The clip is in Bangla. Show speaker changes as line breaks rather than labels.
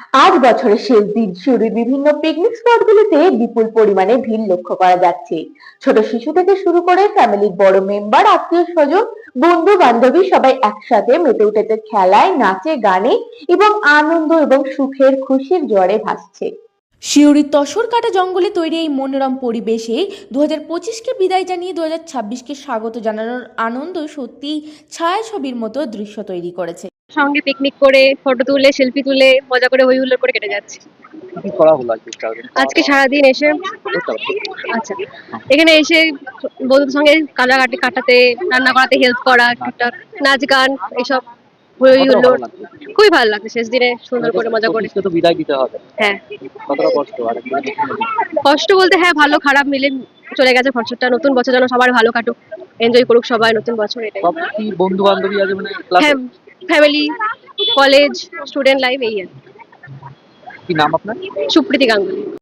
আজ বছরের শেষ দিন সিউড়ির বিভিন্ন পিকনিক স্পটগুলিতে বিপুল পরিমাণে ভিড় লক্ষ্য করা যাচ্ছে। ছোট শিশু থেকে শুরু করে ফ্যামিলির বড় মেম্বার, আত্মীয় স্বজন, বন্ধু বান্ধবী সবাই একসাথে মেতে উঠেছে খেলায়, নাচে, গানে এবং আনন্দ এবং সুখের খুশির জোয়ারে ভাসছে।
সিউড়ির তসরকাটা জঙ্গলে তৈরি এই মনোরম পরিবেশে 2025কে বিদায় জানিয়ে 2026কে স্বাগত জানানোর আনন্দ সত্যি ছায়াছবির মতো দৃশ্য তৈরি করেছে।
সঙ্গে পিকনিক করে ফটো তুলে সেলফি তুলে মজা করে হই হুল্লোড় করে কেটে যাচ্ছে।
কি করা হলো আজকে সারাদিন?
আজকে সারাদিন এসে আচ্ছা এখানে এসে বন্ধুদের সঙ্গে কাটাকাটি কাটাতে, রান্না করাতে হেল্প করা, টুকটাক নাচ গান এসব হই
কতটা
হুল্লোড়
ভালো লাগছে?
খুবই ভালো লাগছে শেষ দিনে সুন্দর করে মজা করে।
অফিসকে তো বিদায় দিতে হবে,
হ্যাঁ,
কতটা কষ্ট? আর একদিন
কষ্ট বলতে হ্যাঁ ভালো খারাপ মিলে চলে গেছে বছরটা। নতুন বছর যেন সবার ভালো কাটুক, এনজয় করুক সবাই নতুন বছর, এটাই।
সব কি বন্ধু বান্ধবী আছে মানে ক্লাসে?
হ্যাঁ, ফ্যামিলি, কলেজ, স্টুডেন্ট লাইফ এই আর কি।
কি নাম আপনার?
সুপ্রীতি গাঙ্গুলি।